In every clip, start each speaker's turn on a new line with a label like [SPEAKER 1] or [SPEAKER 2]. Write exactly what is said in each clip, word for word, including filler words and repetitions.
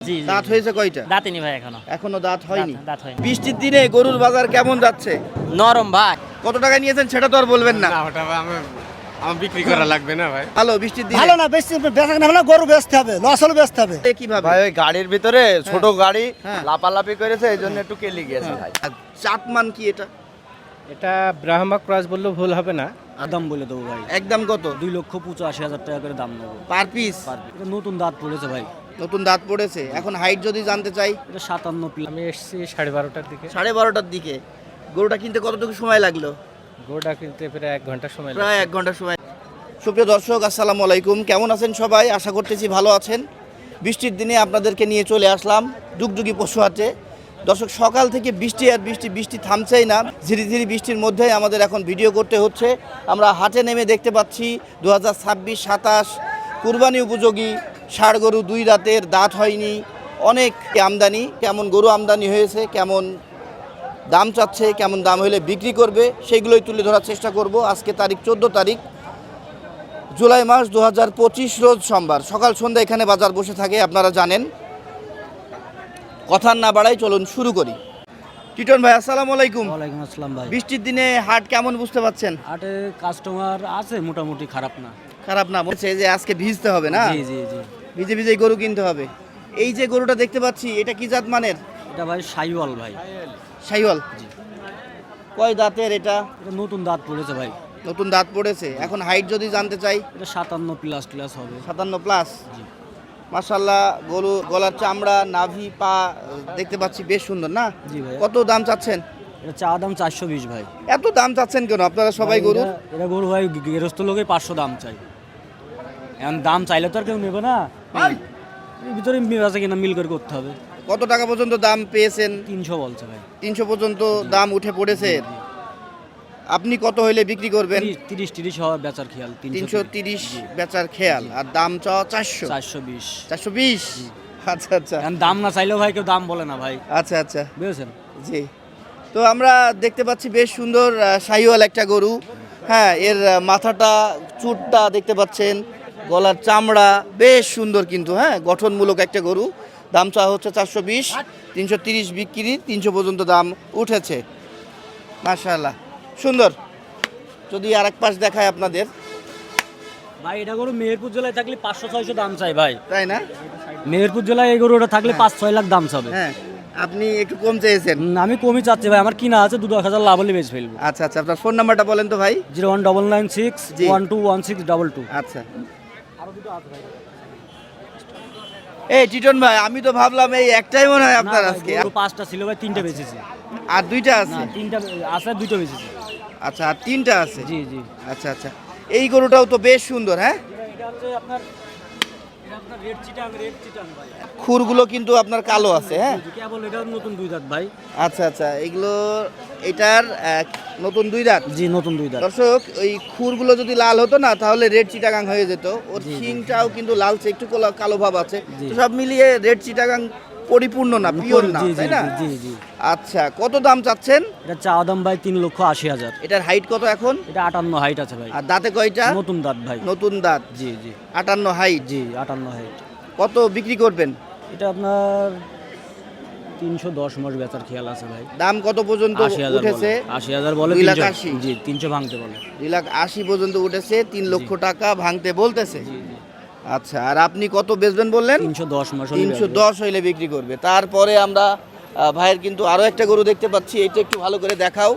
[SPEAKER 1] জি
[SPEAKER 2] দাঁত হয়েছে কয়টা?
[SPEAKER 1] দাঁতেনি ভাই এখনো
[SPEAKER 2] এখনো দাঁত হয়নি।
[SPEAKER 1] দাঁত হয়নি।
[SPEAKER 2] বৃষ্টির দিনে গরুর বাজার কেমন যাচ্ছে?
[SPEAKER 1] নরম ভাই।
[SPEAKER 2] কত টাকা নিয়েছেন সেটা তো আর বলবেন না।
[SPEAKER 3] না ওটা আমার আমার বিক্রি করা লাগবে না ভাই।
[SPEAKER 2] ভালো বৃষ্টির দিনে
[SPEAKER 4] ভালো না, বেশি বেচা কেনা হলে গরু বেচতে হবে, লস হলে বেচতে হবে।
[SPEAKER 2] এ কিভাবে?
[SPEAKER 5] ভাই ওই গাড়ির ভিতরে ছোট গাড়ি
[SPEAKER 2] হ্যাঁ।
[SPEAKER 5] লাপালাপি করেছে এই জন্য একটু কেলি গিয়েছে ভাই।
[SPEAKER 2] আর জাতমান কি এটা?
[SPEAKER 3] এটা ব্রাহ্মা ক্রস বললেও ভুল হবে না।
[SPEAKER 4] দাম বলে দেবো ভাই,
[SPEAKER 2] একদম কত?
[SPEAKER 4] দুই লক্ষ পঁচাশি হাজার টাকা করে দাম নেবো।
[SPEAKER 2] Per piece?
[SPEAKER 4] এটা নতুন দাঁত পড়েছে ভাই,
[SPEAKER 2] নতুন দাঁত পড়েছে। এখন হাইট যদি জানতে চাই?
[SPEAKER 4] এটা সাতান্ন প্লাস।
[SPEAKER 3] আমি এসেছি সাড়ে বারোটার দিকে।
[SPEAKER 2] সাড়ে বারোটার দিকে। গরুটা কিনতে কতটুকু সময় লাগলো?
[SPEAKER 3] গোটা কিনতে প্রায় এক ঘন্টা সময় লাগে।
[SPEAKER 2] প্রায় এক ঘন্টা সময়। সুপ্রিয় দর্শক, আসসালামু আলাইকুম। কেমন আছেন সবাই? আশা করতেছি ভালো আছেন। বৃষ্টির দিনে আপনাদেরকে নিয়ে চলে আসলাম ডুগডুগি পশু হাটে। দর্শক, সকাল থেকে বৃষ্টি আর বৃষ্টি বৃষ্টি থামছেই না। ঝিরি ঝিরি বৃষ্টির মধ্যেই আমাদের এখন ভিডিও করতে হচ্ছে। আমরা হাটে নেমে দেখতে পাচ্ছি দু হাজার ছাব্বিশ সাতাশ কুরবানি উপযোগী ষাড় গরু, দুই রাতের, দাঁত হয়নি, অনেক আমদানি। কেমন গরু আমদানি হয়েছে, কেমন দাম চাচ্ছে, কেমন দাম হলে বিক্রি করবে, সেইগুলোই তুলে ধরার চেষ্টা করব। আজকে তারিখ চোদ্দো তারিখ জুলাই মাস দু হাজার পঁচিশ, রোজ সোমবার। সকাল সন্ধ্যা এখানে বাজার বসে থাকে, আপনারা জানেন। কথা না বাড়াই, চলুন শুরু করি। টিটন ভাই, আসসালামু আলাইকুম।
[SPEAKER 4] ওয়ালাইকুম আসসালাম ভাই।
[SPEAKER 2] বৃষ্টির দিনে হাট কেমন বুঝতে পাচ্ছেন?
[SPEAKER 4] হাটে কাস্টমার আছে মোটামুটি, খারাপ না।
[SPEAKER 2] খারাপ না? বলছে যে আজকে ভিজতে হবে না,
[SPEAKER 4] জি জি জি।
[SPEAKER 2] ভিজে ভিজে গরু কিনতে হবে। এই যে গরুটা দেখতে পাচ্ছি, এটা কি জাত মানের?
[SPEAKER 4] এটা ভাই সাইওয়াল ভাই।
[SPEAKER 2] শাহিওয়াল। কয় দাঁতের এটা?
[SPEAKER 4] এটা নতুন দাঁত পড়েছে ভাই,
[SPEAKER 2] নতুন দাঁত পড়েছে। এখন হাইট যদি জানতে চাই?
[SPEAKER 4] এটা সাতান্ন প্লাস প্লাস হবে।
[SPEAKER 2] সাতান্ন প্লাস।
[SPEAKER 4] জি।
[SPEAKER 2] মাশাআল্লাহ, গরু গলার চামড়া, নাভি, পা দেখতে পাচ্ছি বেশ সুন্দর না?
[SPEAKER 4] জি ভাই।
[SPEAKER 2] কত দাম চাচ্ছেন?
[SPEAKER 4] এটা চা দাম চারশো বিশ ভাই।
[SPEAKER 2] এত দাম চাচ্ছেন কেন আপনারা সবাই
[SPEAKER 4] ভাই,
[SPEAKER 2] গরু?
[SPEAKER 4] এটা- এটা গরু ভাই গৃহস্থ লোকে পাঁচশো দাম চাই। এখন দাম চাইলে তো আর কেউ নেবে না, এর ভিতরে আছে কিনা মিল করে করতে হবে।
[SPEAKER 2] কত টাকা পর্যন্ত দাম পেয়েছেন?
[SPEAKER 4] তিনশো বলছে ভাই।
[SPEAKER 2] তিনশো পর্যন্ত দাম উঠে পড়েছে। আপনি কত হইলে বিক্রি করবেন?
[SPEAKER 4] তিরিশ- তিরিশ তিরিশ হওয়ার বেচার খেয়াল।
[SPEAKER 2] তিনশো তিরিশ বেচার খেয়াল। আর দাম চাওয়া চারশো?
[SPEAKER 4] চারশো বিশ।
[SPEAKER 2] চারশো বিশ। আচ্ছা আচ্ছা
[SPEAKER 4] এখন দাম না চাইলেও ভাই কেউ দাম বলে না ভাই,
[SPEAKER 2] আচ্ছা আচ্ছা
[SPEAKER 4] বুঝেছেন?
[SPEAKER 2] জি। তো আমরা দেখতে পাচ্ছি বেশ সুন্দর আহ, শাহিওয়াল একটা গরু। হ্যাঁ, এর আহ, মাথাটা, চুটটা দেখতে পাচ্ছেন, গলার চামড়া বেশ সুন্দর কিন্তু। হ্যাঁ, গঠনমূলক একটা গরু। দাম চাওয়া হচ্ছে চারশো বিশ, তিনশো তিরিশ বিক্রি, তিনশো পর্যন্ত দাম উঠেছে। মাশাআল্লাহ, সুন্দর। যদি আর এক পাশ দেখায় আপনাদের,
[SPEAKER 4] ভাই এটা গরু মেহেরপুর জেলায় থাকলে পাঁচশো ছয়শো দাম চাই ভাই।
[SPEAKER 2] তাই না?
[SPEAKER 4] মেহেরপুর জেলায় এই গরুটা থাকলে পাঁচ ছয় লাখ দাম চাবে।
[SPEAKER 2] হ্যাঁ, আপনি একটু কম চেয়েছেন।
[SPEAKER 4] হুম, আমি কমই চাচ্ছি ভাই, আমার কিনা আছে, দু দশ হাজার লাভ হলে বেচে ফেলবো।
[SPEAKER 2] আচ্ছা আচ্ছা, আপনার ফোন নাম্বারটা বলেন তো ভাই।
[SPEAKER 4] Zero one double nine six
[SPEAKER 2] জি।
[SPEAKER 4] One two one six double two.
[SPEAKER 2] আচ্ছা। এই টিটন ভাই, আমি তো ভাবলাম এই একটাই মনে হয় আপনার আজকে।
[SPEAKER 4] পাঁচটা ছিল ভাই, তিনটা বেচেছি।
[SPEAKER 2] আর দুইটা
[SPEAKER 4] না,
[SPEAKER 2] আছে?
[SPEAKER 4] তিনটা আছে, দুটো বেচেছি।
[SPEAKER 2] আচ্ছা, আর তিনটা আছে?
[SPEAKER 4] জি জি।
[SPEAKER 2] আচ্ছা আচ্ছা। এই গরুটাও তো বেশ সুন্দর। হ্যাঁ,
[SPEAKER 4] এটা হচ্ছে আপনার এটা আপনার রেড চিটাং, রেড চিটাং ভাই।
[SPEAKER 2] খুরগুলো কিন্তু আপনার কালো আছে। হ্যাঁ,
[SPEAKER 4] কেবল এটা নতুন দুই দাঁত ভাই।
[SPEAKER 2] আচ্ছা আচ্ছা। এগুলো এটার আহ, নতুন দুই দাঁত।
[SPEAKER 4] জি, নতুন দুই দাঁত।
[SPEAKER 2] দর্শক, ওই খুরগুলো যদি লাল হতো না তাহলে রেড চিটাগাং হয়ে যেত। ওর শিংটাও কিন্তু লালচে, একটু কোলা- কালো ভাব আছে।
[SPEAKER 4] জি।
[SPEAKER 2] তো সব মিলিয়ে রেড চিটাগাং পরিপূর্ণ না, পিওর না,
[SPEAKER 4] জি জি
[SPEAKER 2] তাই না?
[SPEAKER 4] জি জি।
[SPEAKER 2] আচ্ছা, কত দাম চাচ্ছেন?
[SPEAKER 4] এটা চা দাম ভাই তিন লক্ষ আশি হাজার।
[SPEAKER 2] এটার হাইট কত এখন?
[SPEAKER 4] এটা আটান্ন হাইট আছে ভাই।
[SPEAKER 2] আর দাঁতে কয়টা?
[SPEAKER 4] নতুন দাঁত ভাই।
[SPEAKER 2] নতুন দাঁত।
[SPEAKER 4] জি জি
[SPEAKER 2] আটান্ন হাইট।
[SPEAKER 4] জি, আটান্ন হাইট।
[SPEAKER 2] কত বিক্রি করবেন?
[SPEAKER 4] এটা আপনার তিনশো দশ মাস বেচার খেয়াল আছে ভাই।
[SPEAKER 2] দাম কত পর্যন্ত
[SPEAKER 4] আশি হাজার
[SPEAKER 2] উঠেছে?
[SPEAKER 4] বলে, আশি হাজার বলে,
[SPEAKER 2] দুই লাখ
[SPEAKER 4] তিনশো-
[SPEAKER 2] আশি।
[SPEAKER 4] জি, তিনশো ভাঙতে বলে।
[SPEAKER 2] দুই লাখ আশি পর্যন্ত উঠেছে, তিন লক্ষ টাকা ভাঙতে বলতেছে।
[SPEAKER 4] জি জি।
[SPEAKER 2] আচ্ছা, আর আপনি কত বেচবেন বললেন?
[SPEAKER 4] তিনশো দশ মাস হলে
[SPEAKER 2] তিনশো
[SPEAKER 4] বেচবো।
[SPEAKER 2] দশ হইলে বিক্রি করবে। তারপরে আমরা আহ, ভাইয়ের কিন্তু আরো একটা গরু দেখতে পাচ্ছি, এটা একটু ভালো করে দেখাও।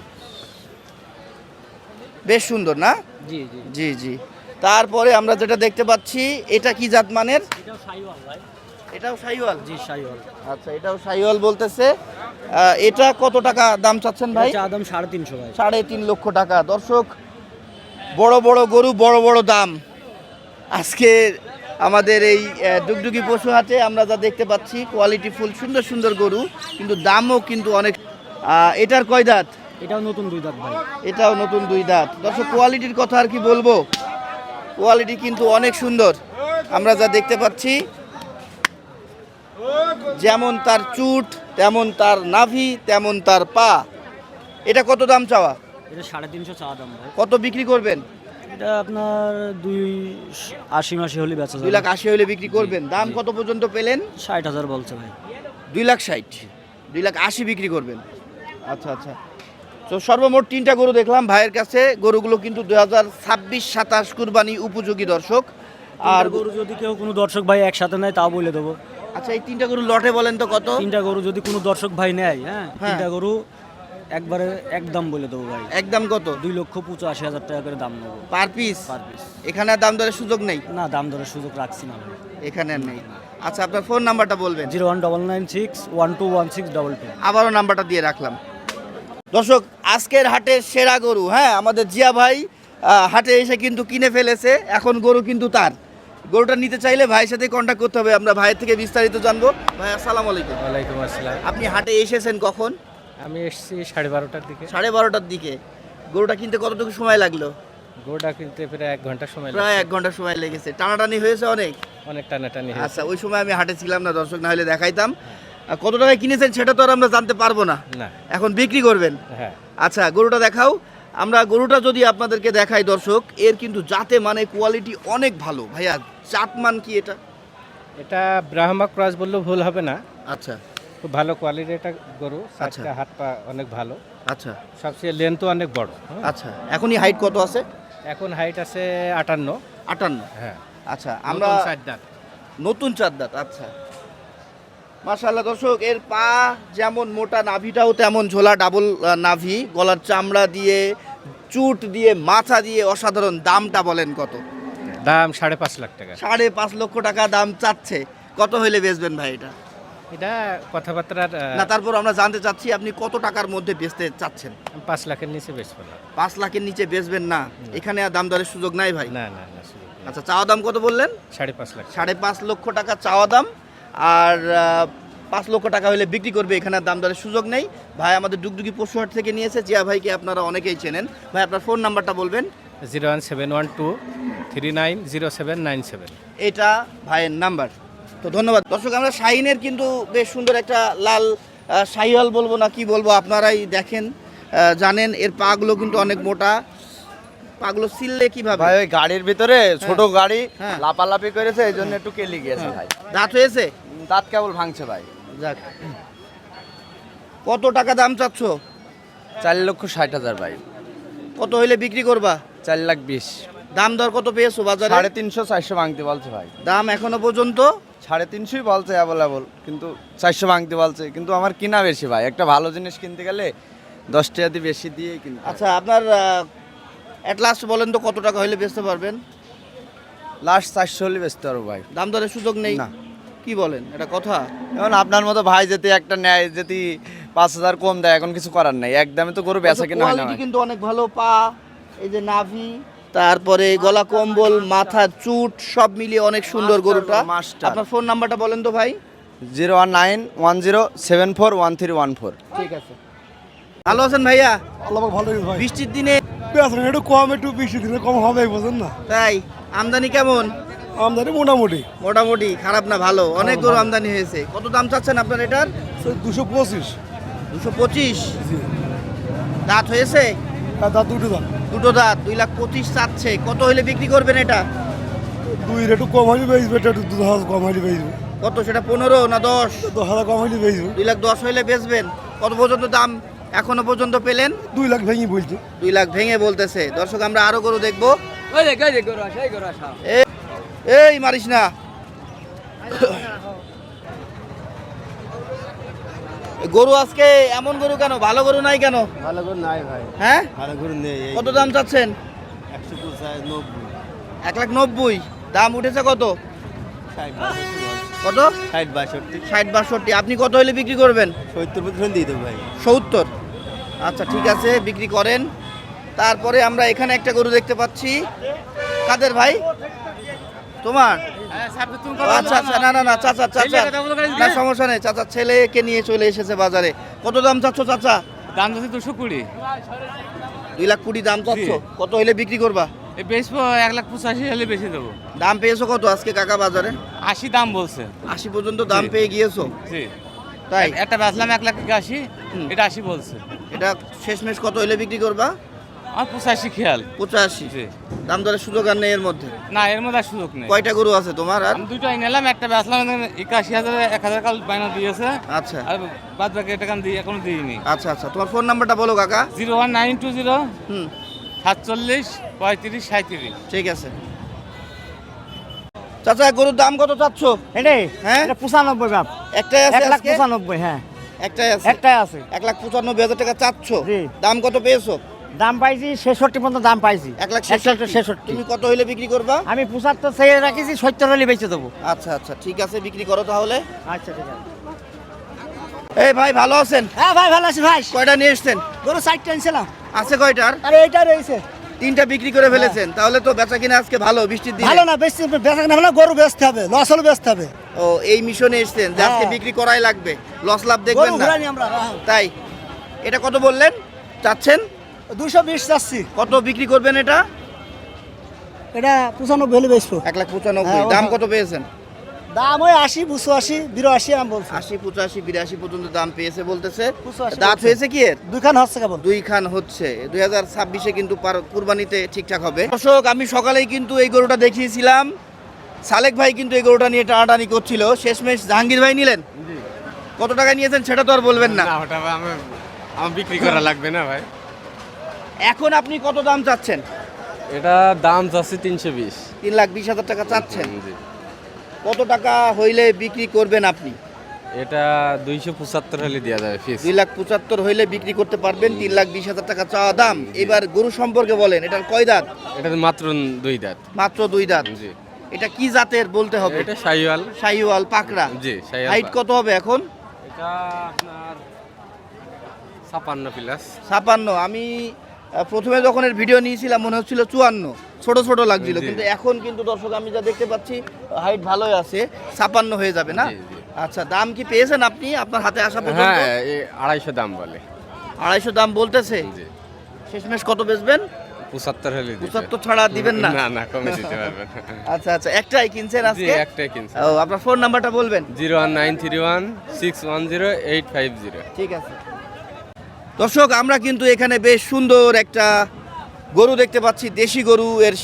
[SPEAKER 2] বেশ সুন্দর না?
[SPEAKER 4] জি জি।
[SPEAKER 2] জি জি। তারপরে আমরা যেটা দেখতে পাচ্ছি, এটা কি জাত মানের?
[SPEAKER 4] এটাও শাহিওয়াল ভাই।
[SPEAKER 2] এটাও শাহিওয়াল।
[SPEAKER 4] জি, শাহিওয়াল।
[SPEAKER 2] আচ্ছা, এটাও শাহিওয়াল বলতেছে। আহ, এটা কত টাকা দাম চাচ্ছেন ভাই?
[SPEAKER 4] চা দাম সাড়ে তিনশো ভাই।
[SPEAKER 2] সাড়ে তিন লক্ষ টাকা। দর্শক, বড় বড় গরু, বড় বড় দাম। আজকে আমাদের এই আহ, ডুগডুগি পশু হাটে আমরা যা দেখতে পাচ্ছি, কোয়ালিটি ফুল সুন্দর সুন্দর গরু, কিন্তু দামও কিন্তু অনেক। আহ, এটার কয় দাঁত?
[SPEAKER 4] এটাও নতুন দুই দাঁত ভাই।
[SPEAKER 2] এটাও নতুন দুই দাঁত। দর্শক, কোয়ালিটির কথা আর কি বলবো, কোয়ালিটি কিন্তু অনেক সুন্দর। আমরা যা দেখতে পাচ্ছি, যেমন তার চুট, তেমন তার নাভি, তেমন তার পা। এটা কত দাম চাওয়া?
[SPEAKER 4] এটা সাড়ে তিনশো চা দাম ভাই।
[SPEAKER 2] কত বিক্রি করবেন?
[SPEAKER 4] এটা আপনার দুই আশি মাসি হলে বেচা
[SPEAKER 2] দুই
[SPEAKER 4] যাবে
[SPEAKER 2] লাখ আশি হলে বিক্রি করবেন। দাম কত পর্যন্ত পেলেন?
[SPEAKER 4] ষাট হাজার বলছে ভাই।
[SPEAKER 2] দুই লাখ ষাট, দুই লাখ আশি বিক্রি করবেন। আচ্ছা আচ্ছা, তো সর্বমোট তিনটা গরু দেখলাম ভাইয়ের কাছে। গরুগুলো কিন্তু দুই হাজার ছাব্বিশ সাতাশ কুরবানি উপযোগী দর্শক। আর
[SPEAKER 4] আর গরু যদি কেউ কোনো দর্শক ভাই একসাথে নেয় তাও বলে দেবো।
[SPEAKER 2] আচ্ছা, এই তিনটা গরু লটে বলেন তো কত?
[SPEAKER 4] তিনটা গরু যদি কোনো দর্শক ভাই নেয়, হ্যাঁ
[SPEAKER 2] হ্যাঁ।
[SPEAKER 4] তিনটা গরু একবারে একদম বলে দেবো ভাই।
[SPEAKER 2] একদম কত?
[SPEAKER 4] দুই লক্ষ পঁচাশি হাজার টাকা করে দাম নেবো
[SPEAKER 2] পার পিস?
[SPEAKER 4] Per piece.
[SPEAKER 2] এখানে আর দাম দরের সুযোগ নেই?
[SPEAKER 4] না, দাম দরের সুযোগ রাখছি না ভাই।
[SPEAKER 2] এখানে আর নেই। আচ্ছা, আপনার ফোন নাম্বারটা বলবেন?
[SPEAKER 4] Zero one double nine six one two one six double two.
[SPEAKER 2] আবারও নাম্বারটা দিয়ে রাখলাম। দর্শক, আজকের হাটের সেরা গরু, হ্যাঁ আমাদের জিয়া ভাই আহ, হাটে এসে কিন্তু কিনে ফেলেছে। এখন গরু কিন্তু তার। গরুটা নিতে চাইলে ভাইয়ের সাথে কন্ট্যাক্ট করতে হবে। আমরা ভাইয়ের থেকে বিস্তারিত জানবো। ভাই আসসালামু আলাইকুম।
[SPEAKER 3] ওয়ালাইকুম আসসালাম।
[SPEAKER 2] আপনি হাটে এসেছেন কখন?
[SPEAKER 3] আমি এসেছি সাড়ে বারোটার দিকে।
[SPEAKER 2] সাড়ে বারোটার দিকে। গরুটা কিনতে কতটুকু সময় লাগলো?
[SPEAKER 3] গরুটা কিনতে প্রায় এক ঘন্টা সময়
[SPEAKER 2] প্রায়
[SPEAKER 3] লাগে।
[SPEAKER 2] এক ঘন্টা সময় লেগেছে। টানাটানি হয়েছে অনেক?
[SPEAKER 3] অনেক টানাটানি হয়েছে।
[SPEAKER 2] আচ্ছা, ওই সময় আমি হাটে ছিলাম না দর্শক, না হলে দেখাইতাম। আর কত টাকায় কিনেছেন সেটা তো আর আমরা জানতে পারবো না।
[SPEAKER 3] না।
[SPEAKER 2] এখন বিক্রি করবেন?
[SPEAKER 3] হ্যাঁ।
[SPEAKER 2] আচ্ছা, গরুটা দেখাও। আমরা গরুটা যদি আপনাদেরকে দেখাই দর্শক, এর কিন্তু জাতে মানে কোয়ালিটি অনেক ভালো। ভাইয়া, জাত মান কি এটা?
[SPEAKER 3] এটা ব্রাহ্মা ক্রস বললেও ভুল হবে না।
[SPEAKER 2] আচ্ছা
[SPEAKER 3] খুব ভালো কোয়ালিটির একটা গরু।
[SPEAKER 2] আচ্ছা।
[SPEAKER 3] চারটা হাত পা অনেক ভালো।
[SPEAKER 2] আচ্ছা
[SPEAKER 3] সবচেয়ে লেন্থও অনেক বড়। হ্যাঁ।
[SPEAKER 2] আচ্ছা, এখনই হাইট কত আছে?
[SPEAKER 3] এখন হাইট আছে আটান্ন।
[SPEAKER 2] আটান্ন।
[SPEAKER 3] হ্যাঁ।
[SPEAKER 2] আচ্ছা, আমরা
[SPEAKER 3] নতুন চার দাঁত।
[SPEAKER 2] নতুন চার দাঁত। আচ্ছা, মাশাআল্লাহ দর্শক, এর পা যেমন মোটা, নাভিটাও তেমন ঝোলা, ডাবল নাভি, গলার চামড়া দিয়ে, চুট দিয়ে, মাথা দিয়ে অসাধারণ। দামটা বলেন কত?
[SPEAKER 3] দাম সাড়ে পাঁচ লাখ টাকা।
[SPEAKER 2] সাড়ে পাঁচ লক্ষ টাকা দাম চাচ্ছে। কত হইলে বেচবেন ভাই এটা?
[SPEAKER 3] এটা কথাবার্তার আহ,
[SPEAKER 2] না, তারপর আমরা জানতে চাচ্ছি আপনি কত টাকার মধ্যে বেচতে চাচ্ছেন?
[SPEAKER 3] পাঁচ লাখের নিচে বেচবো না।
[SPEAKER 2] পাঁচ লাখের নিচে বেচবেন না? এখানে আর দাম দরের সুযোগ নাই ভাই?
[SPEAKER 3] না না না সুযোগ নেই।
[SPEAKER 2] আচ্ছা, চাওয়া দাম কত বললেন?
[SPEAKER 3] সাড়ে পাঁচ লাখ।
[SPEAKER 2] সাড়ে পাঁচ লক্ষ টাকা চাওয়া দাম। আর আহ, পাঁচ লক্ষ টাকা হলে বিক্রি করবে, এখানে আর দাম দরের সুযোগ নেই। ভাই আমাদের ডুগডুগি পশুহাট থেকে নিয়েছে। জিয়া ভাইকে আপনারা অনেকেই চেনেন। ভাই, আপনার ফোন নাম্বারটা বলবেন?
[SPEAKER 3] Zero one seven one two three nine zero seven nine seven.
[SPEAKER 2] এটা ভাইয়ের নাম্বার। তো ধন্যবাদ দর্শক। আমরা শাহিনের কিন্তু বেশ সুন্দর একটা লাল আহ, শাহিওয়াল বলবো না কি বলবো, আপনারাই দেখেন, আহ, জানেন। এর পাগুলো কিন্তু অনেক মোটা। পাগুলো সিললে কিভাবে?
[SPEAKER 5] ভাই ওই গাড়ির ভিতরে ছোট গাড়ি
[SPEAKER 2] হ্যাঁ।
[SPEAKER 5] লাপালাপি করেছে, এই জন্য একটু কেলি গিয়েছে ভাই।
[SPEAKER 2] দাঁত হয়েছে?
[SPEAKER 5] দাঁত কেবল ভাঙছে ভাই।
[SPEAKER 2] যাক, কত টাকা দাম চাচ্ছ?
[SPEAKER 5] চার লক্ষ ষাট হাজার ভাই।
[SPEAKER 2] কত হইলে বিক্রি করবা?
[SPEAKER 5] চার লাখ বিশ।
[SPEAKER 2] দাম দর কত পেয়েছো বাজারে?
[SPEAKER 5] সাড়ে তিনশো চারশো ভাঙতে বলছে ভাই।
[SPEAKER 2] দাম এখনো পর্যন্ত
[SPEAKER 5] সাড়ে তিনশোই বলছে অ্যাভেলেবল, কিন্তু চারশো ভাঙতে বলছে। কিন্তু আমার কিনা বেশি ভাই, একটা ভালো জিনিস কিনতে গেলে দশ টাকা দিয়ে বেশি দিয়ে কিনতে হয়।
[SPEAKER 2] আচ্ছা, আপনার অ্যাট লাস্ট বলেন তো কত টাকা হইলে বেচতে পারবেন?
[SPEAKER 5] লাস্ট চারশো হলে বেচতে পারবো ভাই।
[SPEAKER 2] দাম দরের সুযোগ নেই?
[SPEAKER 5] না।
[SPEAKER 2] কি বলেন, এটা কথা?
[SPEAKER 5] এখন আপনার মতো ভাই যদি একটা নেয়, যদি পাঁচ হাজার কম দেয়, এখন কিছু করার নাই। একদমে তো গরু বেচা কিনা হয় না
[SPEAKER 2] কোয়ালিটি
[SPEAKER 5] ভাই।
[SPEAKER 2] কিন্তু অনেক ভালো। পা, এই যে নাভি, তারপরে গলা কম্বল, মাথা, চুট সব মিলিয়ে অনেক সুন্দর
[SPEAKER 5] মাস্টার
[SPEAKER 2] গরুটা।
[SPEAKER 5] গরু, মাস্টার।
[SPEAKER 2] আপনার ফোন নাম্বারটা বলেন তো ভাই?
[SPEAKER 5] Zero one nine one zero seven four one three one four.
[SPEAKER 2] ঠিক আছে। ভালো আছেন ভাইয়া?
[SPEAKER 1] আল্লাহ ভালো ভাই।
[SPEAKER 2] বৃষ্টির দিনে
[SPEAKER 1] বেতন একটু কম, একটু বৃষ্টি দিলে কম হবে, বুঝেন না?
[SPEAKER 2] তাই আমদানি কেমন?
[SPEAKER 1] আমদানি মোটামুটি
[SPEAKER 2] মোটামুটি, খারাপ না, ভালো। অনেক গরু আমদানি হয়েছে। কত দাম চাচ্ছেন আপনার এটার?
[SPEAKER 1] দুশো পঁচিশ।
[SPEAKER 2] দুশো পঁচিশ। দাঁত হয়েছে?
[SPEAKER 1] হ্যাঁ, দাঁত দুটো দাঁত।
[SPEAKER 2] দুটো দাঁত। দুই লাখ পঁচিশ চাচ্ছে। কত হইলে বিক্রি করবেন এটা?
[SPEAKER 1] দুই একটু কম হলে বেচবে, একটু দু হাজার কম হলে বেচবে।
[SPEAKER 2] কত সেটা? পনেরো না দশ?
[SPEAKER 1] দশ হাজার কম হলে বেচবে।
[SPEAKER 2] দুই লাখ দশ হইলে বেচবেন। কত পর্যন্ত দাম এখনো পর্যন্ত পেলেন?
[SPEAKER 1] দুই লাখ ভেঙে বলছে।
[SPEAKER 2] দুই লাখ ভেঙে বলতেছে। দর্শক, আমরা আরো গরু দেখবো। এ- এই মারিস না। গরু আজকে এমন গরু কেন? ভালো গরু নাই কেন?
[SPEAKER 1] ভালো করে নাই ভাই,
[SPEAKER 2] হ্যাঁ,
[SPEAKER 1] ভালো করে নেই।
[SPEAKER 2] কত দাম চাচ্ছেন?
[SPEAKER 1] একশো পঁচাশ নব্বই।
[SPEAKER 2] এক লাখ নব্বই। দাম উঠেছে কত? কত?
[SPEAKER 1] ষাট বাষট্টি।
[SPEAKER 2] ষাট বাষট্টি। আপনি কত হইলে বিক্রি করবেন?
[SPEAKER 1] সত্তর পর্যন্ত দিয়ে দেবো ভাই।
[SPEAKER 2] সত্তর। আচ্ছা, ঠিক আছে, বিক্রি করেন। তারপরে আমরা এখানে একটা গরু দেখতে পাচ্ছি। কাদের ভাই? তোমার? আচ্ছা আচ্ছা, না না না চাচা, চাচা না, সমস্যা নেই। চাচা ছেলেকে নিয়ে চলে এসেছে বাজারে। কত দাম চাচ্ছ চাচা?
[SPEAKER 6] দাম যাচ্ছে দুশো কুড়ি।
[SPEAKER 2] দুই লাখ কুড়ি দাম চাচ্ছ। কত হইলে বিক্রি করবা?
[SPEAKER 6] এই বেচবো এক লাখ পঁচাশি হলে বেশি দেবো।
[SPEAKER 2] দাম পেয়েছো কত আজকে কাকা বাজারে?
[SPEAKER 6] আশি দাম বলছে।
[SPEAKER 2] আশি পর্যন্ত দাম পেয়ে গিয়েছো?
[SPEAKER 6] জি,
[SPEAKER 2] তাই?
[SPEAKER 6] একটা বেচলাম এক লাখ আশি,
[SPEAKER 2] হুম।
[SPEAKER 6] এটা আশি বলছে।
[SPEAKER 2] এটা শেষমেশ কত হইলে বিক্রি করবা?
[SPEAKER 6] আমার পঁচাশি খেয়াল
[SPEAKER 2] পঁচাশি
[SPEAKER 6] জি।
[SPEAKER 2] দাম দরের সুযোগ আর নেই এর মধ্যে।
[SPEAKER 6] না এর মধ্যে আর সুযোগ নেই।
[SPEAKER 2] কয়টা গরু আছে তোমার আর?
[SPEAKER 6] আমি দুইটাই নিলাম, একটা বেচলাম একাশি হাজার এক হাজার কাল বাইনা দিয়েছে,
[SPEAKER 2] আচ্ছা
[SPEAKER 6] আর বাদ বাকি টাকা আমি দিই এখনো দিইনি।
[SPEAKER 2] আচ্ছা আচ্ছা তোমার ফোন নাম্বারটা বলো কাকা।
[SPEAKER 6] Zero one nine two zero
[SPEAKER 2] হুম
[SPEAKER 6] সাতচল্লিশ পঁয়ত্রিশ সাঁত্রিশ।
[SPEAKER 2] ঠিক আছে। চাচা গরুর দাম কত চাচ্ছ?
[SPEAKER 4] এটাই
[SPEAKER 2] হ্যাঁ
[SPEAKER 4] এটা পঁচানব্বই বাপ
[SPEAKER 2] একটাই আছে
[SPEAKER 4] এক লাখ
[SPEAKER 2] আজকে?
[SPEAKER 4] পঁচানব্বই হ্যাঁ
[SPEAKER 2] একটাই আছে
[SPEAKER 4] একটাই আছে।
[SPEAKER 2] এক লাখ পঁচানব্বই হাজার টাকা চাচ্ছ।
[SPEAKER 4] জি।
[SPEAKER 2] দাম কত পেয়েছো?
[SPEAKER 4] দাম পাইছি ছেষট্টি পর্যন্ত দাম পাইছি।
[SPEAKER 2] এক লাখ
[SPEAKER 4] ছেষট্টি ছেষট্টি
[SPEAKER 2] তুমি কত হইলে বিক্রি করবা?
[SPEAKER 4] আমি পঁচাত্তর চেয়ে রাখিছি, সত্তর হলে বেঁচে দেবো।
[SPEAKER 2] আচ্ছা আচ্ছা ঠিক আছে, বিক্রি করো তাহলে।
[SPEAKER 4] আচ্ছা ঠিক আছে।
[SPEAKER 2] এই ভাই ভালো আছেন?
[SPEAKER 4] হ্যাঁ ভাই ভালো আছি ভাই।
[SPEAKER 2] কয়টা নিয়ে এসছেন?
[SPEAKER 4] গরু চারটে আনছিলাম।
[SPEAKER 2] আছে কয়টার?
[SPEAKER 4] আরে এইটা রয়েছে।
[SPEAKER 2] তিনটা বিক্রি করে ফেলেছেন, তাহলে তো বেচা কিনা আজকে ভালো বৃষ্টির দিনে।
[SPEAKER 1] ভালো না, বেশি বেচা কেনা হলে গরু বেচতে হবে, লস হলে বেচতে হবে।
[SPEAKER 2] ও এই মিশনে এসছেন যে আজকে
[SPEAKER 4] হ্যাঁ।
[SPEAKER 2] বিক্রি করাই লাগবে, লস লাভ দেখবেন
[SPEAKER 4] গরু
[SPEAKER 2] না।
[SPEAKER 4] ঘুরানি আমরা হ্যাঁ।
[SPEAKER 2] তাই এটা কত বললেন চাচ্ছেন?
[SPEAKER 1] দুশো বিশ চাচ্ছি।
[SPEAKER 2] কত বিক্রি করবেন এটা?
[SPEAKER 1] এটা পঁচানব্বই হলে বেচবো।
[SPEAKER 2] এক লাখ পঁচানব্বই।
[SPEAKER 1] হ্যাঁ,
[SPEAKER 2] দাম
[SPEAKER 1] ওটা-
[SPEAKER 2] কত পেয়েছেন?
[SPEAKER 1] দাম ওই আশি পঁচাশি বিরাশি আমি বলছি।
[SPEAKER 2] আশি পঁচাশি বিরাশি পর্যন্ত দাম পেয়েছে বলতেছে।
[SPEAKER 1] পঁচাশি
[SPEAKER 2] দাঁত
[SPEAKER 1] বলছে।
[SPEAKER 2] হয়েছে কি এর?
[SPEAKER 1] দুইখান হচ্ছে কেবল।
[SPEAKER 2] দুই খান হচ্ছে। দুই হাজার ছাব্বিশে কিন্তু পার- কুরবানিতে ঠিকঠাক হবে। দর্শক আমি সকালেই কিন্তু এই গরুটা দেখিয়েছিলাম, সালেক ভাই কিন্তু এই গরুটা নিয়ে টানাটানি করছিল, শেষমেশ জাহাঙ্গীর ভাই নিলেন। কত টাকা নিয়েছেন সেটা তো আর বলবেন না।
[SPEAKER 6] না ওটা আমার আমার বিক্রি করা লাগবে না ভাই।
[SPEAKER 2] এখন আপনি কত দাম চাচ্ছেন?
[SPEAKER 7] এটা দাম যাচ্ছে তিনশো বিশ।
[SPEAKER 2] তিন লাখ বিশ হাজার টাকা চাচ্ছেন। কত টাকা হইলে বিক্রি করবেন আপনি?
[SPEAKER 7] এটা দুইশো পঁচাত্তর হলে দেওয়া যাবে ফিস।
[SPEAKER 2] দুই লাখ পঁচাত্তর হইলে বিক্রি করতে পারবেন। তিন লাখ বিশ হাজার টাকা চাওয়া দাম। এবার গরু সম্পর্কে বলেন, এটার কয় দাঁত?
[SPEAKER 7] এটা মাত্র দুই দাঁত।
[SPEAKER 2] মাত্র দুই দাঁত।
[SPEAKER 7] জি।
[SPEAKER 2] এটা কি জাতের বলতে হবে?
[SPEAKER 7] এটা শাহিওয়াল।
[SPEAKER 2] শাহিওয়াল পাকড়া।
[SPEAKER 7] জি শাহিওয়াল।
[SPEAKER 2] হাইট কত হবে এখন?
[SPEAKER 7] এটা আপনার ছাপান্ন প্লাস।
[SPEAKER 2] ছাপান্ন। আমি আহ, প্রথমে যখন এর ভিডিও নিয়েছিলাম মনে হচ্ছিল চুয়ান্ন, ছোট ছোট লাগছিল,
[SPEAKER 7] জি।
[SPEAKER 2] কিন্তু এখন কিন্তু দর্শক আমি যা দেখতে পাচ্ছি হাইট ভালোই আছে, ছাপান্ন হয়ে যাবে না?
[SPEAKER 7] জি, জি।
[SPEAKER 2] আচ্ছা দাম কি পেয়েছেন আপনি আপনার হাতে আসা পর্যন্ত?
[SPEAKER 7] হ্যাঁ এই আড়াইশো দাম বলে।
[SPEAKER 2] আড়াইশো দাম বলতেছে।
[SPEAKER 7] জি।
[SPEAKER 2] শেষমেশ কত বেচবেন?
[SPEAKER 7] পঁচাত্তর হলে দিতে।
[SPEAKER 2] পঁচাত্তর ছাড়া দিবেন না?
[SPEAKER 7] না না কমে দিতে পারবেন।
[SPEAKER 2] আচ্ছা আচ্ছা একটাই কিনছেন
[SPEAKER 7] জি
[SPEAKER 2] আজকে?
[SPEAKER 7] একটাই কিনছি।
[SPEAKER 2] ও আপনার ফোন নাম্বারটা বলবেন?
[SPEAKER 7] Zero one nine three one six one zero eight five zero.
[SPEAKER 2] ঠিক আছে। দর্শক আমরা কিন্তু এখানে বেশ সুন্দর একটা গরু দেখতে পাচ্ছি, দেশি গরু। এর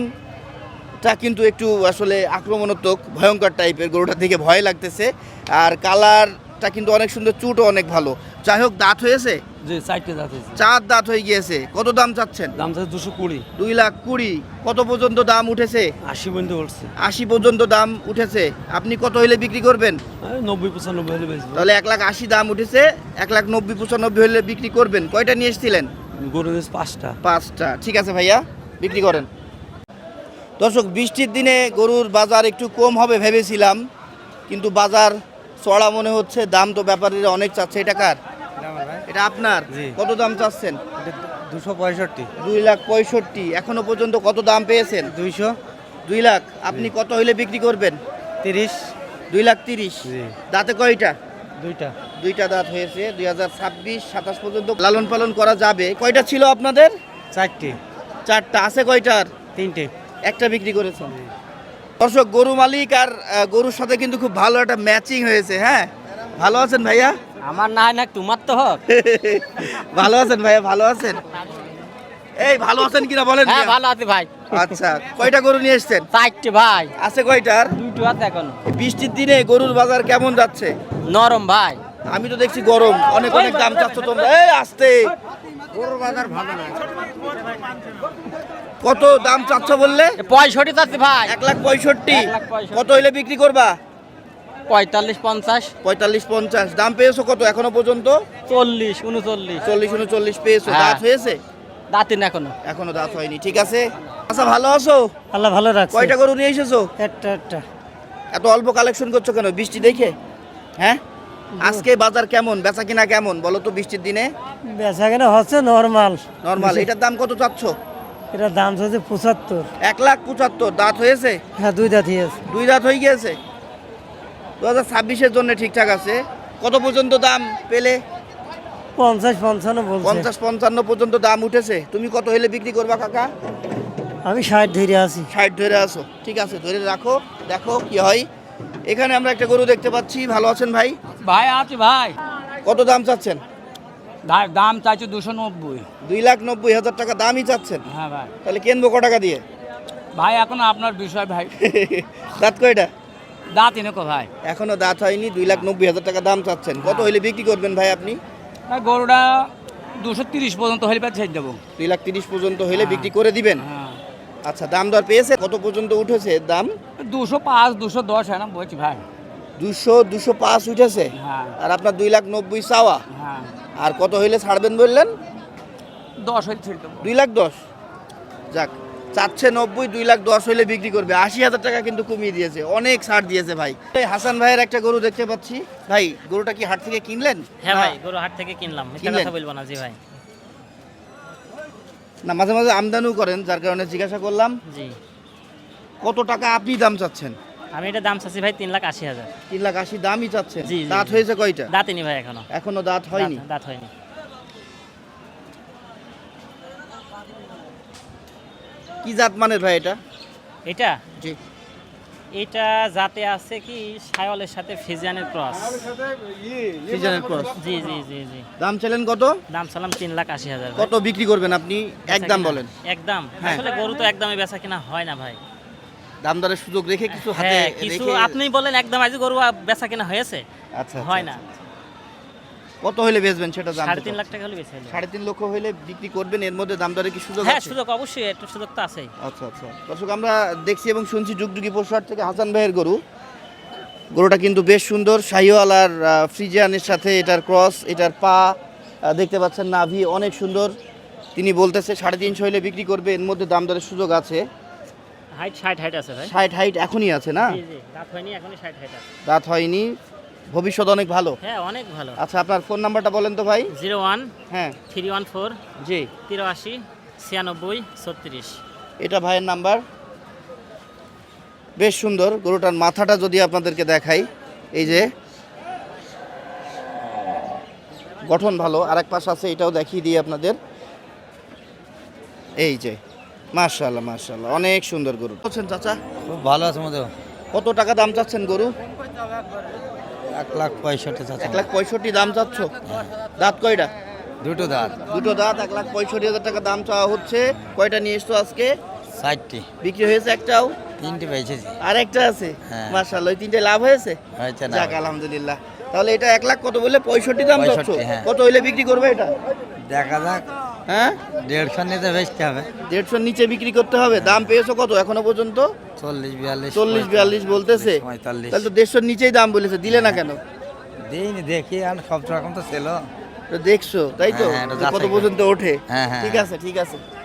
[SPEAKER 2] শিংটা কিন্তু একটু আসলে আক্রমণাত্মক, ভয়ঙ্কর টাইপের, গরুটা দেখে ভয় লাগতেছে। আর কালারটা কিন্তু অনেক সুন্দর, চুটও অনেক ভালো। যাই হোক দাঁত হয়েছে?
[SPEAKER 4] জি চারটে দাঁত হয়েছে।
[SPEAKER 2] চার দাঁত হয়ে গিয়েছে। কত দাম চাচ্ছেন?
[SPEAKER 4] দাম চাচ্ছে দুশো কুড়ি।
[SPEAKER 2] দুই লাখ কুড়ি। কত পর্যন্ত দাম উঠেছে?
[SPEAKER 4] আশি পর্যন্ত বলছে।
[SPEAKER 2] আশি পর্যন্ত দাম উঠেছে। আপনি কত হইলে বিক্রি করবেন?
[SPEAKER 4] নব্বই পঁচানব্বই হলে বেচবো।
[SPEAKER 2] তাহলে এক লাখ আশি দাম উঠেছে, এক লাখ নব্বই পঁচানব্বই হলে বিক্রি করবেন। কয়টা নিয়ে এসেছিলেন?
[SPEAKER 4] গরু দিয়েছে পাঁচটা।
[SPEAKER 2] পাঁচটা। ঠিক আছে ভাইয়া, বিক্রি করেন। দর্শক বৃষ্টির দিনে গরুর বাজার একটু কম হবে ভেবেছিলাম, কিন্তু বাজার চড়া মনে হচ্ছে। দাম তো ব্যাপারীরা অনেক চাচ্ছে। এটা কার? এটা আপনার?
[SPEAKER 4] জি।
[SPEAKER 2] কত দাম চাচ্ছেন?
[SPEAKER 4] দুশো পঁয়ষট্টি।
[SPEAKER 2] দুই লাখ পঁয়ষট্টি। এখনো পর্যন্ত কত দাম পেয়েছেন?
[SPEAKER 4] দুইশো
[SPEAKER 2] দুই লাখ। আপনি কত হইলে বিক্রি করবেন?
[SPEAKER 4] তিরিশ।
[SPEAKER 2] দুই লাখ তিরিশ।
[SPEAKER 4] জি।
[SPEAKER 2] দাঁতে কয়টা?
[SPEAKER 4] দুইটা।
[SPEAKER 2] দুইটা দাঁত হয়েছে। দুই হাজার ছাব্বিশ সাতাশ পর্যন্ত লালন পালন করা যাবে। কয়টা ছিল আপনাদের?
[SPEAKER 4] চারটে।
[SPEAKER 2] চারটা। আছে কয়টার?
[SPEAKER 4] তিনটে।
[SPEAKER 2] একটা বিক্রি করেছেন। দর্শক গরু মালিক আর আহ, গরুর সাথে কিন্তু খুব ভালো একটা ম্যাচিং হয়েছে। হ্যাঁ ভালো আছেন ভাইয়া?
[SPEAKER 4] আমার না হয় না তোমার তো হোক।
[SPEAKER 2] ভালো আছেন ভাইয়া? ভালো আছেন? এই ভালো আছেন কিনা বলেন?
[SPEAKER 4] হ্যাঁ
[SPEAKER 2] মিয়া?
[SPEAKER 4] ভালো আছি ভাই।
[SPEAKER 2] আচ্ছা কয়টা গরু নিয়ে এসছেন?
[SPEAKER 4] চারটে ভাই।
[SPEAKER 2] আছে কয়টার?
[SPEAKER 4] দুইটো আছে এখনো।
[SPEAKER 2] বৃষ্টির দিনে গরুর বাজার কেমন যাচ্ছে?
[SPEAKER 4] নরম ভাই।
[SPEAKER 2] আমি তো দেখছি গরম, অনেক অনেক দাম চাচ্ছ তোমরা। এই আসতে কত দাম চাচ্ছ বললে?
[SPEAKER 4] পঁয়ষট্টি চাচ্ছি ভাই।
[SPEAKER 2] এক লাখ পঁয়ষট্টি।
[SPEAKER 4] এক লাখ পঁয়ষট্টি।
[SPEAKER 2] কত হইলে বিক্রি করবা?
[SPEAKER 4] পঁয়তাল্লিশ পঞ্চাশ।
[SPEAKER 2] পঁয়তাল্লিশ পঞ্চাশ। দাম পেয়েছো কত এখনো পর্যন্ত?
[SPEAKER 4] চল্লিশ উনচল্লিশ।
[SPEAKER 2] চল্লিশ উনচল্লিশ পেয়েছো।
[SPEAKER 4] হ্যাঁ।
[SPEAKER 2] দাঁত হয়েছে?
[SPEAKER 4] দাঁতিন এখনো।
[SPEAKER 2] এখনো দাঁত হয়নি। ঠিক আছে। আচ্ছা ভালো আছো?
[SPEAKER 1] আল্লাহ ভালো রাখছে।
[SPEAKER 2] কয়টা গরু নিয়ে এসেছো?
[SPEAKER 1] একটা একটা।
[SPEAKER 2] এত অল্প কালেকশন করছো কেন বৃষ্টি দেখে? হ্যাঁ আজকে বাজার কেমন, বেচা কিনা কেমন বলো তো বৃষ্টির দিনে?
[SPEAKER 1] বেচা কেনা হচ্ছে নর্মাল।
[SPEAKER 2] নর্মাল। এটার দাম কত চাচ্ছ?
[SPEAKER 1] এটা দাম হচ্ছে পঁচাত্তর।
[SPEAKER 2] এক লাখ পঁচাত্তর। দাঁত হয়েছে?
[SPEAKER 1] হ্যাঁ দুই দাঁতই আছে।
[SPEAKER 2] দুই দাঁত হয়ে গিয়েছে। দু হাজার ছাব্বিশের জন্য ঠিকঠাক আছে। কত পর্যন্ত দাম পেলে?
[SPEAKER 1] পঞ্চাশ পঞ্চান্ন বলছে।
[SPEAKER 2] পঞ্চাশ পঞ্চান্ন পর্যন্ত দাম উঠেছে। তুমি কত হইলে বিক্রি করবা কাকা?
[SPEAKER 1] আমি ষাট ধরে আছি।
[SPEAKER 2] ষাট ধরে আসো। ঠিক আছে ধরে রাখো, দেখো কি হয়। এখানে আমরা একটা গরু দেখতে পাচ্ছি। ভালো আছেন ভাই?
[SPEAKER 4] ভাই আছি ভাই।
[SPEAKER 2] কত দাম চাচ্ছেন?
[SPEAKER 4] দা- দাম চাইছে দুশো নব্বই।
[SPEAKER 2] দুই লাখ নব্বই হাজার টাকা দামই চাচ্ছেন,
[SPEAKER 4] হ্যাঁ ভাই।
[SPEAKER 2] তাহলে কিনবো ক টাকা দিয়ে?
[SPEAKER 4] ভাই এখন আপনার বিষয় ভাই।
[SPEAKER 2] দাঁত কয়টা?
[SPEAKER 4] দাঁত এনে কো ভাই?
[SPEAKER 2] এখনো দাঁত হয়নি, দুই লাখ নব্বই হাজার টাকা দাম চাচ্ছেন। কত হইলে বিক্রি করবেন ভাই আপনি?
[SPEAKER 4] ভাই গরুটা দুশো তিরিশ পর্যন্ত হলে পাচ্ছে দেবো।
[SPEAKER 2] দুই লাখ তিরিশ পর্যন্ত হইলে বিক্রি করে দিবেন।
[SPEAKER 4] হ্যাঁ,
[SPEAKER 2] আচ্ছা, দাম দর পেয়েছে? কত পর্যন্ত উঠেছে এর দাম?
[SPEAKER 4] দুশো পাঁচ দুশো দশ হ্যাঁ না বলছি ভাই।
[SPEAKER 2] দুশো দুশো পাঁচ উঠেছে,
[SPEAKER 4] হ্যাঁ
[SPEAKER 2] আর আপনার দুই লাখ নব্বই চাওয়া।
[SPEAKER 4] হ্যাঁ,
[SPEAKER 2] আর কত হইলে ছাড়বেন বললেন?
[SPEAKER 4] দশ হলে ছেড়ে দেবো।
[SPEAKER 2] দুই লাখ দশ। যাক, চাচ্ছে নব্বই, দুই লাখ দশ হইলে বিক্রি করবে। আশি হাজার টাকা কিন্তু কমিয়ে দিয়েছে, অনেক ছাড় দিয়েছে ভাই। এই হাসান ভাইয়ের একটা গরু দেখতে পাচ্ছি। ভাই, গরুটা কি হাট থেকে কিনলেন?
[SPEAKER 8] হ্যাঁ ভাই, গরু হাট থেকে কিনলাম, মিথ্যা
[SPEAKER 2] কিনলেন?
[SPEAKER 8] কথা বলবো না। জি ভাই।
[SPEAKER 2] না, মাঝে মাঝে আমদানিও করেন, যার কারণে জিজ্ঞাসা করলাম।
[SPEAKER 8] জি,
[SPEAKER 2] কত টাকা আপনি দাম চাচ্ছেন?
[SPEAKER 8] আমি এটা দাম চাচ্ছি ভাই তিন লাখ আশি হাজার।
[SPEAKER 2] তিন লাখ আশি দামই চাচ্ছেন।
[SPEAKER 8] জি, জি,
[SPEAKER 2] দাঁত
[SPEAKER 8] জি।
[SPEAKER 2] হয়েছে কয়টা?
[SPEAKER 8] দাঁতিনি ভাই এখনো।
[SPEAKER 2] এখনো দাঁত হয়নি।
[SPEAKER 8] দাঁত- দাঁত হয়নি।
[SPEAKER 2] কি জাত মানের ভাই এটা?
[SPEAKER 8] এটা
[SPEAKER 2] জি।
[SPEAKER 8] এটা জাতে আছে কি সায়লের সাথে ফিজিয়ানের ক্রস।
[SPEAKER 2] সিজনের ক্রস।
[SPEAKER 8] জি জি জি জি।
[SPEAKER 2] দাম চাইলেন কত?
[SPEAKER 8] দাম চালাম তিন লাখ আশি হাজার।
[SPEAKER 2] কত বিক্রি করবেন আপনি? একদম বলেন।
[SPEAKER 8] একদম।
[SPEAKER 2] হ্যাঁ।
[SPEAKER 8] আসলে গরু তো একদমই বেচা কিনা হয় না ভাই।
[SPEAKER 2] দাম দরের সুযোগ রেখে কিছু হাতে
[SPEAKER 8] হ্যাঁ, কিছু
[SPEAKER 2] রেখে-
[SPEAKER 8] আপনি বলেন একদম আজ গরু বেচা কিনা হয়েছে,
[SPEAKER 2] আচ্ছা,
[SPEAKER 8] হয় না।
[SPEAKER 2] কত হইলে বেচবেন সেটা জানতে
[SPEAKER 8] সাড়ে তিন
[SPEAKER 2] চাচ্ছি।
[SPEAKER 8] লাখ টাকা হলে বেচে হলো।
[SPEAKER 2] সাড়ে তিন লক্ষ হইলে বিক্রি করবেন, এর মধ্যে দাম দরে কি সুযোগ
[SPEAKER 8] হ্যাঁ,
[SPEAKER 2] আছে?
[SPEAKER 8] সুযোগ অবশ্যই, একটু সুযোগ তো আছেই।
[SPEAKER 2] আচ্ছা আচ্ছা, দর্শক আমরা দেখছি এবং শুনছি যুগযুগি পশুহাট থেকে হাসান ভাইয়ের গরু। গরুটা কিন্তু বেশ সুন্দর, শাহিওয়াল আর আহ, ফ্রিজিয়ানের সাথে এটার ক্রস, এটার পা আহ, দেখতে পাচ্ছেন, নাভি অনেক সুন্দর। তিনি বলতেছে সাড়ে তিনশো হইলে বিক্রি করবে, এর মধ্যে দাম দরের সুযোগ আছে।
[SPEAKER 8] হাইট ষাট হাইট আছে ভাই।
[SPEAKER 2] ষাট হাইট এখনই আছে না?
[SPEAKER 8] জি জি, দাঁত হয়নি, এখনই ষাট হাইট আছে।
[SPEAKER 2] দাঁত হয়নি, ভবিষ্যৎ অনেক ভালো।
[SPEAKER 8] হ্যাঁ, অনেক ভালো।
[SPEAKER 2] আচ্ছা, আপনার ফোন নাম্বারটা বলেন তো ভাই।
[SPEAKER 8] জিরো ওয়ান
[SPEAKER 2] হ্যাঁ,
[SPEAKER 8] থ্রি ওয়ান ফোর
[SPEAKER 2] জি,
[SPEAKER 8] তিরাশি ছিয়ানব্বই ছত্রিশ।
[SPEAKER 2] এটা ভাইয়ের নাম্বার। বেশ সুন্দর গরুটার মাথাটা যদি আপনাদেরকে দেখাই, এই যে গঠন ভালো। আরেক পাশ আছে, এটাও দেখিয়ে দিই আপনাদের। এই যে মাশাআল্লাহ মাশাআল্লাহ, অনেক সুন্দর গরু। বলছেন চাচা?
[SPEAKER 9] খুব ভালো আছে মধ্যে
[SPEAKER 2] কত টাকা দাম চাচ্ছেন গরু?
[SPEAKER 9] এক লাখ পঁয়ষট্টি চাচা।
[SPEAKER 2] এক লাখ পঁয়ষট্টি দাম চাচ্ছ? দাঁত কয়টা?
[SPEAKER 9] দুটো দাঁত,
[SPEAKER 2] দুটো দাঁত, এক লাখ পঁয়ষট্টি হাজার টাকা দাম চাওয়া হচ্ছে। কয়টা নিয়ে এসছো আজকে?
[SPEAKER 9] ষাটটি,
[SPEAKER 2] বিক্রি হয়েছে একটাও?
[SPEAKER 9] তিনটি বেঁচেছি।
[SPEAKER 2] আর একটা আছে?
[SPEAKER 9] হ্যাঁ।
[SPEAKER 2] মাশাআল্লাহ, ওই তিনটে লাভ হয়েছে?
[SPEAKER 9] হয়েছে না?
[SPEAKER 2] যাক আলহামদুলিল্লাহ। তাহলে এটা এক লাখ কত বললে? পঁয়ষট্টি দাম চাচ্ছ?
[SPEAKER 9] পঁয়ষট্টি, হ্যাঁ।
[SPEAKER 2] কত হইলে বিক্রি করবে এটা?
[SPEAKER 9] দেখা যাক,
[SPEAKER 2] হ্যাঁ,
[SPEAKER 9] দেড়শো নিতে বেচতে হবে।
[SPEAKER 2] দেড়শোর নিচে বিক্রি করতে হবে। দাম পেয়েছো কত এখনো পর্যন্ত?
[SPEAKER 9] চল্লিশ বিয়াল্লিশ
[SPEAKER 2] চল্লিশ বিয়াল্লিশ বলতেছে।
[SPEAKER 9] পঁয়তাল্লিশ।
[SPEAKER 2] তাহলে তো দেড়শোর নিচেই দাম বলেছে, দিলে না কেন?
[SPEAKER 9] দিইনি, দেখি আর সব রকম তো ছিল।
[SPEAKER 2] তো দেখছো তাই তো,
[SPEAKER 9] হ্যাঁ, এটা
[SPEAKER 2] যে কত
[SPEAKER 9] যাচাই করে।
[SPEAKER 2] পর্যন্ত ওঠে।
[SPEAKER 9] হ্যাঁ, হ্যাঁ,
[SPEAKER 2] ঠিক
[SPEAKER 9] হ্যাঁ।
[SPEAKER 2] আছে ঠিক আছে।